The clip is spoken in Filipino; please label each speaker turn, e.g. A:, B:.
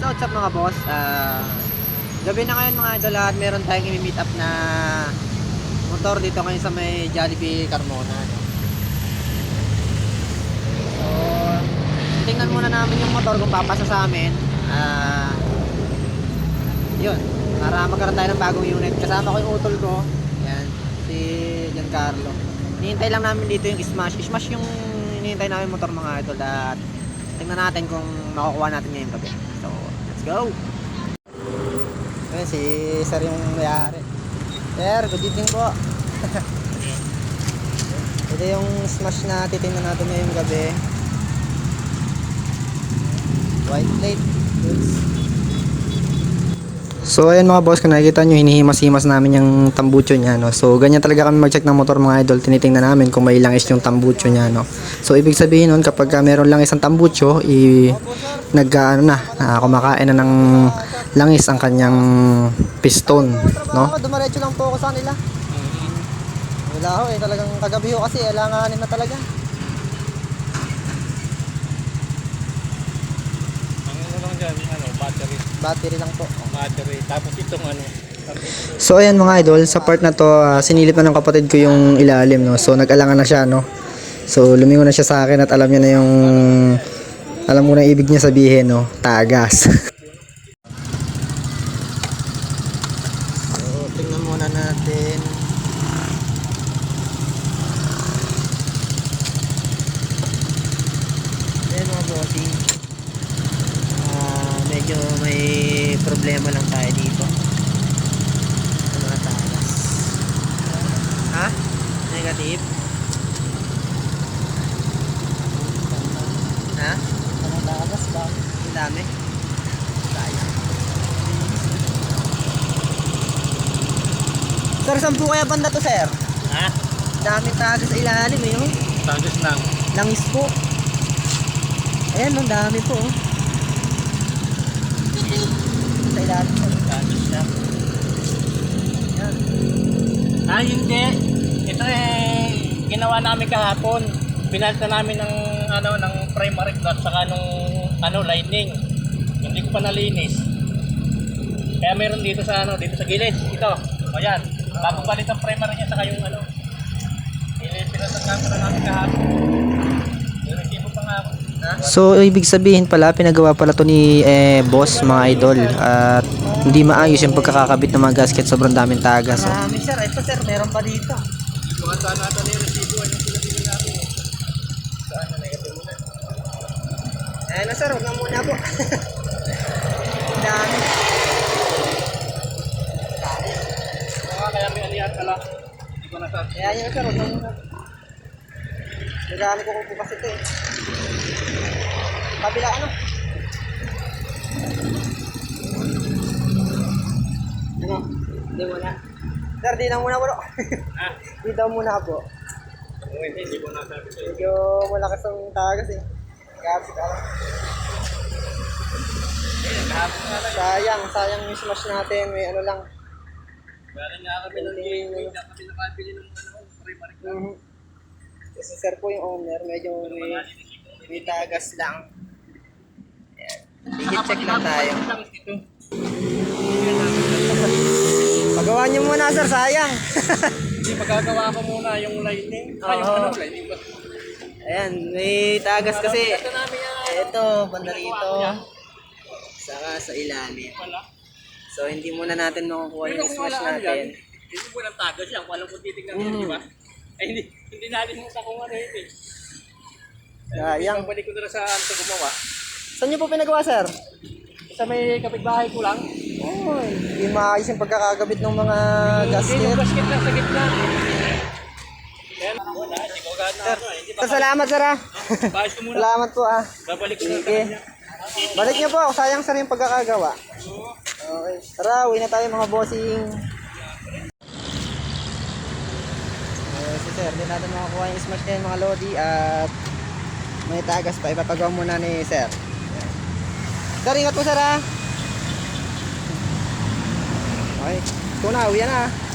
A: So what's up mga boss, gabi na ngayon mga idol at meron tayong i-meet up na motor dito ngayon sa may Jollibee Carmona, no? So tingnan muna namin yung motor kung papasa sa amin. Yun, para magkaroon tayo ng bagong unit. Kasama ko yung utol ko, yan, si Giancarlo. Hinihintay lang namin dito yung Smash yung hinihintay namin motor mga idol. At tingnan natin kung makukuha natin ngayong gabi. So let's go. Ayan si sir yung mayari. Sir, good evening po. Ito yung Smash na titingnan natin ngayong gabi. White plate goods. So ayan mga boss, kung nakikita nyo, hinihimas-himas namin yung tambucho nya, no? So ganyan talaga kami mag-check ng motor mga idol. Tinitingnan namin kung may langis yung tambucho nya, no? So ibig sabihin nun, kapag meron lang isang tambucho, kumakain na ng langis ang kanyang piston, no? Dumaretso lang po ako sa kanila. Wala ho eh, talagang kagabi ho kasi kailanganin na talaga. Battery lang po.
B: Battery. Tapos itong ano.
A: So ayan mga idol, sa part na to, sinilip na ng kapatid ko yung ilalim, no. So nag-alangan na siya, no. So lumingon na siya sa akin at alam niya na yung alam mo na ibig niya sabihin, no, tagas. So tingnan muna natin. Ayan mga bossing. Medyo may problema lang tayo dito sa mga tagas. Ha? Negative? Ha? Mga tagas ba? Ang dami? Sayang. Sir, saan po kaya banda to, sir?
B: Ha?
A: Daming tagas sa ilalim eh, oh.
B: Tagas lang.
A: Langis po. Ayan, ang dami po, oh. Sa ilalim po.
B: Tagas lang.
A: Ayan.
B: Hindi. Ito ginawa namin kahapon. Pinalta namin ng ng primary clutch saka nung lining. Hindi ko pa nalinis. Kaya meron dito sa dito sa gilid. Ito. O yan. Bago balik ang primary niya saka yung pinalta na namin kahapon. Yung resibo pa nga ako.
A: So ibig sabihin pala, pinagawa pala to ni boss mga idol, at hindi maayos yung pagkakakabit ng mga gasket, sobrang daming tagas. Marami sir, ito sir, meron pa dito.
B: Bukan saan natin yung resibo yung pinabili namin. Saan na negative muna?
A: Ayan na sir, huwag na muna po. Dami.
B: Kaya may aliyat pala. Hindi ko nasabi.
A: Ayan yun sir, huwag na muna. Nagamit ko po kasi ito eh. Kabila ano? Ano? Hindi muna. Sir, di na muna po.
B: Ha?
A: Di daw muna po.
B: Hindi ko nasabi sa'yo.
A: Medyo malakas ang tagas eh. Kasi sayang yung smash natin. May ano lang.
B: Meron nga kami ng gateway na kami nakabili ng primary clutch.
A: Kasi sir po yung owner, medyo may tagas lang. Ayan. Higit-check lang tayo. Pagawa niyo muna sir, sayang.
B: Hindi, magagawa ko muna yung lighting. Yung lighting ba?
A: Ayan, may tagas kasi.
B: Ito namin yan.
A: Ito, banda rito. Saka sa ilalim. So hindi muna natin makukuha yung smash natin.
B: Hindi mo lang tagas yan. Walang kung titignan mo, di ba? Ay, hindi natin mo sa kung ano yun eh.
A: Sayang.
B: Balik ko na sa gumawa.
A: Saan niyo po pinagawa sir?
B: Sa may kapitbahay ko lang.
A: Oh, hindi maayos yung pagkakagabit ng mga gasket.
B: Yung gasket lang sa gitna. Kaya wala, hindi ko agad na
A: Sir, salamat sir ah.
B: Bayos ko muna.
A: Salamat po ah.
B: Babalik ko na sa
A: Sige.
B: kanya.
A: Balik niyo po, sayang sir yung pagkakagawa. Okay. Tara, uwi na tayo mga bossing. Si sir, din natin makakuha yung smash din mga lodi at may tagas pa. Ipapagawa muna ni sir. Sir, ingat po sir ah. Okay. Ito na, uwi na ah.